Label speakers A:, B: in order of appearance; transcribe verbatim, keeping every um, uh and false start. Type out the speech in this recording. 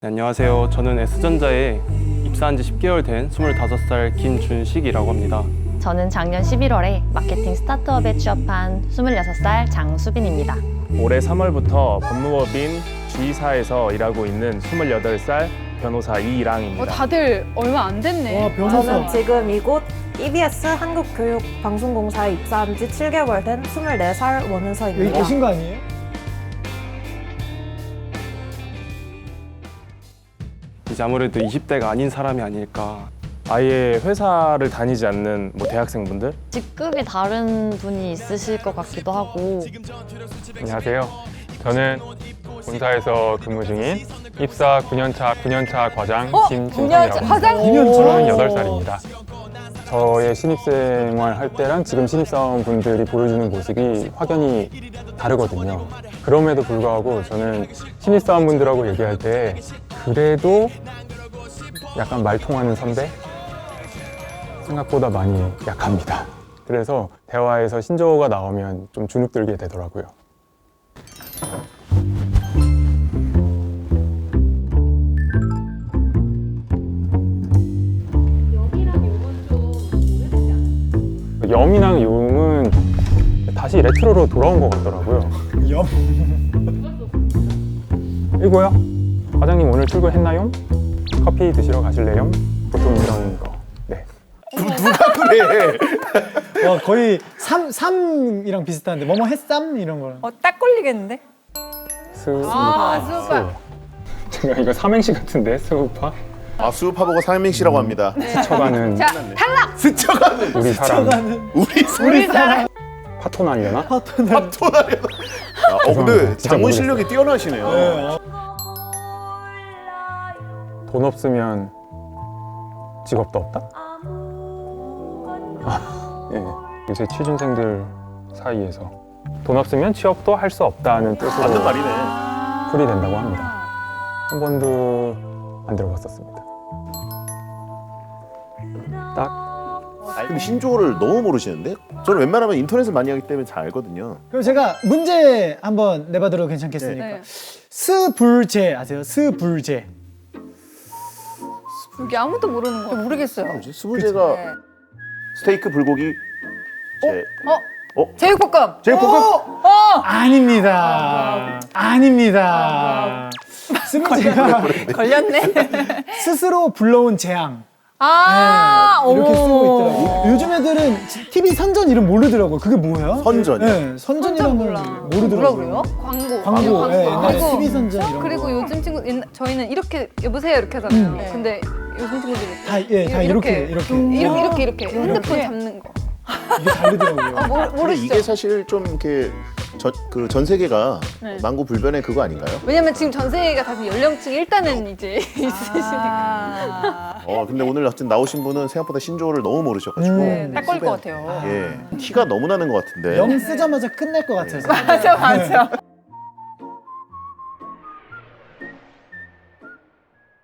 A: 네, 안녕하세요. 저는 S전자에 입사한 지 십 개월 된 스물다섯 살 김준식이라고 합니다.
B: 저는 작년 십일월에 마케팅 스타트업에 취업한 스물여섯 살 장수빈입니다.
C: 올해 삼월부터 법무법인 G사에서 일하고 있는 스물여덟 살 변호사 이랑입니다.
D: 어, 다들 얼마 안 됐네.
E: 와, 변호사.
F: 저는 지금 이곳 이비에스 한국교육방송공사에 입사한 지 칠 개월 된 스물네 살
E: 여기
F: 원은서입니다.
E: 계신 거 아니에요?
A: 이제 아무래도 이십 대가 아닌 사람이 아닐까.
C: 아예 회사를 다니지 않는 뭐 대학생분들?
B: 직급이 다른 분이 있으실 것 같기도 하고.
G: 안녕하세요. 저는 본사에서 근무 중인 입사 구 년차 구 년차 과장
D: 어?
G: 김진상이라고 합니다.
D: 과장?
E: 구 년 차?
G: 서른여덟 살입니다. 저의 신입생활 할 때랑 지금 신입사원분들이 보여주는 모습이 확연히 다르거든요. 그럼에도 불구하고 저는 신입사원분들하고 얘기할 때 그래도 약간 말 통하는 선배? 생각보다 많이 약합니다. 그래서 대화에서 신조어가 나오면 좀 주눅들게 되더라고요. 염이랑 용은 다시 레트로로 돌아온 것 같더라고요.
E: 염?
G: 이거요? 과장님 오늘 출근했나요? 커피 드시러 가실래요? 보통 이런 거. 네.
H: 누가 그래?
E: 와, 거의 삼, 삼이랑 비슷한데 뭐뭐 했쌈? 이런 거랑.
D: 어, 딱 걸리겠는데?
G: 스.
D: 아, 수우파.
G: 제가 이거 삼행시 같은데 스우파?
H: 아 수우파보고 삼행시라고 합니다.
G: 스쳐가는
D: 자, 탈락!
H: 스쳐가는
G: 우리 사람.
E: 가는
H: 우리
D: 우리 사람.
G: 파토 날려나?
E: 파트너.
H: 토나리. 아, 어 근데
G: 죄송합니다. 진짜
H: 장문
G: 모르겠어요.
H: 실력이 뛰어나시네요.
E: 네, 어.
G: 돈 없으면 직업도 없다? 아, 예. 요새 취준생들 사이에서 돈 없으면 취업도 할 수 없다는 뜻으로
H: 맞는 말이네.
G: 풀이된다고 합니다. 한 번도 안 들어봤었습니다. 딱
H: 아니, 근데 신조어를 너무 모르시는데? 저는 웬만하면 인터넷을 많이 하기 때문에 잘 알거든요.
E: 그럼 제가 문제 한번 내봐도 괜찮겠습니까?
D: 네.
E: 스불제 아세요? 스불제.
D: 여기 아무도 모르는 거. 모르겠어요.
H: 뭐지? 스불제가
D: 네.
H: 스테이크, 불고기, 제...
D: 어?
H: 어?
D: 제육볶음!
H: 제육볶음?
D: 어!
E: 아닙니다. 아닙니다. 스불제가
D: 걸렸네.
E: 스스로 불러온 재앙.
D: 아,
E: 네, 이렇게
D: 어머.
E: 쓰고 있더라고요. 요즘 애들은 티비 선전 이름 모르더라고요. 그게 뭐예요?
H: 선전이요?
E: 네, 선전이란 걸
D: 몰라.
E: 모르더라고요.
D: 뭐라 그래요? 광고.
E: 광고, 네, 옛날에
D: 광고.
E: 티비 선전 이런
D: 그리고
E: 거.
D: 요즘 친구, 옛날- 저희는 이렇게, 여보세요 이렇게 하잖아요.
E: 음.
D: 근데 요즘 친구들이
E: 다, 예, 다 이렇게, 이렇게.
D: 이렇게, 이렇게, 이렇게. 핸드폰 잡는 거.
E: 이게 다르더라고요.
D: 아, 모르,
H: 근데
D: 모르시죠?
H: 이게 사실 좀 이렇게 그 전 세계가
D: 네.
H: 만고불변의 그거 아닌가요?
D: 왜냐면 지금 전 세계가 다 연령층이 일단은 이제 있으시니까.
H: 어 근데 오늘 어쨌든 나오신 분은 생각보다 신조어를 너무 모르셔가지고
E: 음.
D: 딱 걸릴 것 같아요.
H: 예 티가 너무 나는 것 같은데.
E: 영 쓰자마자 끝날 것 같아서.
D: 맞아, 맞아.